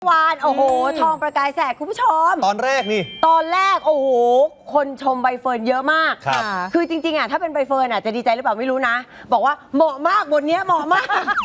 วานโอ้โหทองประกายแสกคุณผู้ชมตอนแรกโอ้โหคนชมใบเฟิร์นเยอะมาก คือจริงๆถ้าเป็นใบเฟิร์นจะดีใจหรือเปล่าไม่รู้นะบอกว่าเหมาะมากบทนี้เหมาะมาก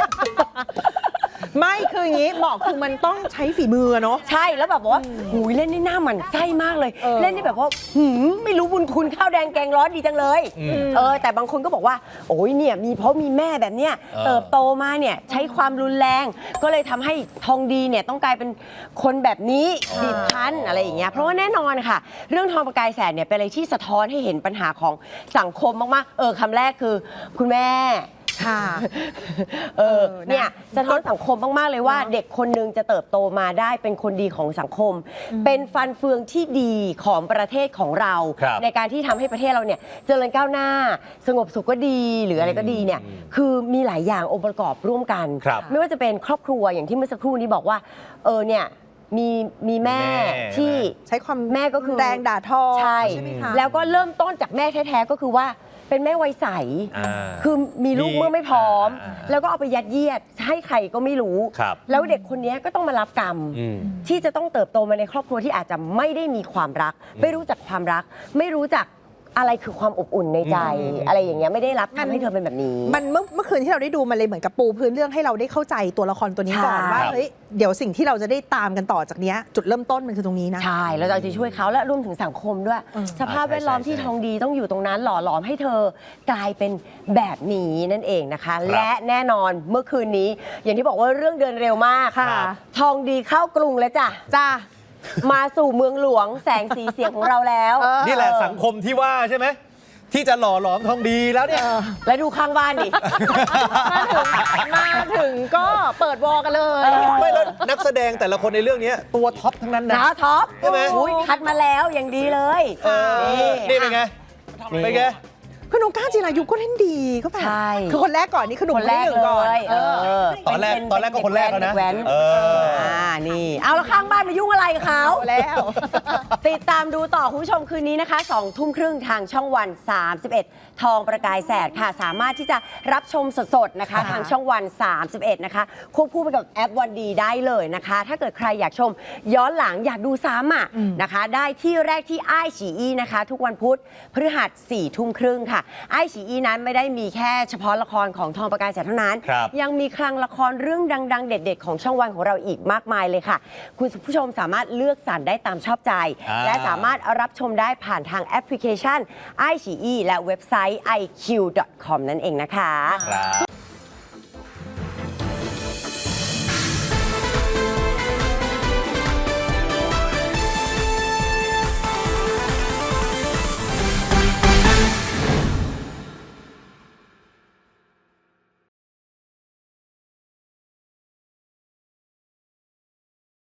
ไม่คืออย่างนี้บอกคือมันต้องใช้ฝีมือเนาะใช่แล้วแบบว่าหูยเล่นนี่หน้าหมันไส้มากเลยเล่นนี่แบบว่าไม่รู้บุญคุณข้าวแดงแกงร้อนดีจังเลยแต่บางคนก็บอกว่าโอ้ยเนี่ยเพราะมีแม่แบบเนี้ยเติบโตมาเนี่ยใช้ความรุนแรงก็เลยทำให้ทองดีเนี่ยต้องกลายเป็นคนแบบนี้บีบคั้นอะไรอย่างเงี้ยเพราะว่าแน่นอนค่ะเรื่องทองประกายแสนเนี่ยเป็นอะไรที่สะท้อนให้เห็นปัญหาของสังคมมากๆคำแรกคือคุณแม่ค่ะเนี่ยสะท้อนสังคมมากๆเลยว่าเด็กคนนึงจะเติบโตมาได้เป็นคนดีของสังคมเป็นฟันเฟืองที่ดีของประเทศของเราในการที่ทำให้ประเทศเราเนี่ยเจริญก้าวหน้าสงบสุขก็ดีหรืออะไรก็ดีเนี่ยคือมีหลายอย่างองค์ประกอบร่วมกันไม่ว่าจะเป็นครอบครัวอย่างที่เมื่อสักครู่นี้บอกว่าเนี่ยมีแม่ที่ใช้ความแม่ก็คือแรงด่าทอใช่แล้วก็เริ่มต้นจากแม่แท้ๆก็คือว่าเป็นแม่วัยใสคือมีลูกเมื่อไม่พร้อมแล้วก็เอาไปยัดเยียดให้ใครก็ไม่รู้แล้วเด็กคนนี้ก็ต้องมารับกรรมที่จะต้องเติบโตมาในครอบครัวที่อาจจะไม่ได้มีความรักไม่รู้จักความรักไม่รู้จักอะไรคือความอบอุ่นในใจอะไรอย่างเงี้ยไม่ได้รับทำให้เธอเป็นแบบนี้มันเมื่อคืนที่เราได้ดูมันเลยเหมือนกับปูพื้นเรื่องให้เราได้เข้าใจตัวละครตัวนี้ก่อนว่าเฮ้ยเดี๋ยวสิ่งที่เราจะได้ตามกันต่อจากนี้จุดเริ่มต้นมันคือตรงนี้นะใช่แล้วเราจะช่วยเขาและรวมถึงสังคมด้วยสภาพแวดล้อมที่ทองดีต้องอยู่ตรงนั้นหล่อหลอมให้เธอกลายเป็นแบบนี้นั่นเองนะคะและแน่นอนเมื่อคืนนี้อย่างที่บอกว่าเรื่องเดินเร็วมากทองดีเข้ากรุงแล้วจ้ามาสู่เมืองหลวงแสงสีเสียงของเราแล้วนี่แหละสังคมที่ว่าใช่ไหมที่จะหล่อหลอมทองดีแล้วเนี่ยแล้วดูข้างบ้านดิมาถึงก็เปิดวอกันเลยไม่แล้วนักแสดงแต่ละคนในเรื่องนี้ตัวท็อปทั้งนั้นนะท็อปใช่ไหมคัดมาแล้วอย่างดีเลยนี่เป็นไงคือน้องก้าวจิรายุก็เล่นดีก็แบบคือคนแรกก่อนนี่คือหนุ่มคนแรกก่อนตอนแรกก็คนแรกแล้วนะนี่เอาแล้วข้างบ้านมายุ่งอะไรกับเขาแล้วติดตามดูต่อคุณผู้ชมคืนนี้นะคะ20:30นทางช่องวัน31ทองประกายแสดค่ะสามารถที่จะรับชมสดๆนะคะทางช่องวัน31นะคะควบคู่ไปกับแอปวันดีได้เลยนะคะถ้าเกิดใครอยากชมย้อนหลังอยากดูซ้ำนะคะได้ที่แรกที่อ้ายฉีอีนะคะทุกวันพุธพฤหัส22:30ค่ะอ้ายฉีอีนั้นไม่ได้มีแค่เฉพาะละครของทองประกายแสดเท่านั้นยังมีคลังละครเรื่องดังๆเด็ดๆของช่องวันของเราอีกมากมายเลยค่ะคุณผู้ชมสามารถเลือกสรรได้ตามชอบใจและสามารถรับชมได้ผ่านทางแอปพลิเคชัน iQIYI และเว็บไซต์ iq.com นั่นเองนะคะ